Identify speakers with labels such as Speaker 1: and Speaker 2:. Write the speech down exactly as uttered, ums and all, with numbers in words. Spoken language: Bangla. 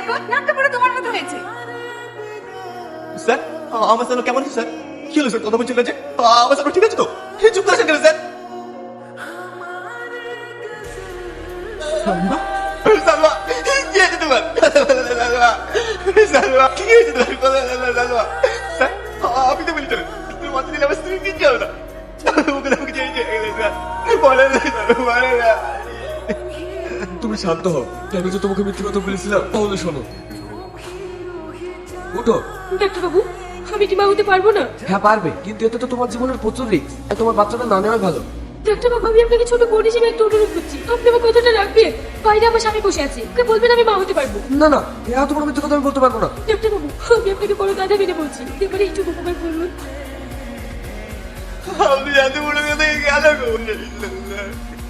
Speaker 1: দেখো নাকটা পুরো তোমার মতো হয়েছে।
Speaker 2: স্যার আমার স্যার কেমন আছে স্যার? কি হলো স্যার, কথা বলছিল যে আমার স্যার ঠিক আছে তো? চুপ করেছেন কেন স্যার? সালমা সালমা কি হয়েছে তোমার? সালমা সালমা কি হয়েছে তোমার? সালমা স্যার আপনি তো বলছিলেন তুমি মাথা দিলে আমার স্ত্রী কিচ্ছু হবে না। ওকে আমাকে চেয়ে চেয়ে গেলে স্যার বলে না বলে না।
Speaker 3: তুমি শান্ত হও। আমি যে তোমাকে মিথ্যে কথা বলেছিলাম তাহলে শোনো। উঠো।
Speaker 4: ডাক্তার বাবু, আমি কি মা হতে পারবো না?
Speaker 3: হ্যাঁ পারবে, কিন্তু এতে তো তোমার জীবনের প্রচুর রিস্ক। তোমার বাচ্চাটা না নেওয়াই ভালো।
Speaker 4: ডাক্তার বাবু, আমি আপনাকে ছোট বোন হিসেবে একটু অনুরোধ করছি, আপনি আমার কথাটা রাখবেন। বাইরে আমার স্বামী বসে আছে, ওকে বলবেন আমি মা হতে পারবো।
Speaker 3: না না, এত তোমার মিথ্যে কথা আমি বলতে পারবো না।
Speaker 4: ডাক্তার বাবু, আমি আপনাকে বড় গাধা মেনে বলছি, এবারে একটু উপকার করুন।
Speaker 2: আপনি এত বড় কথা গেল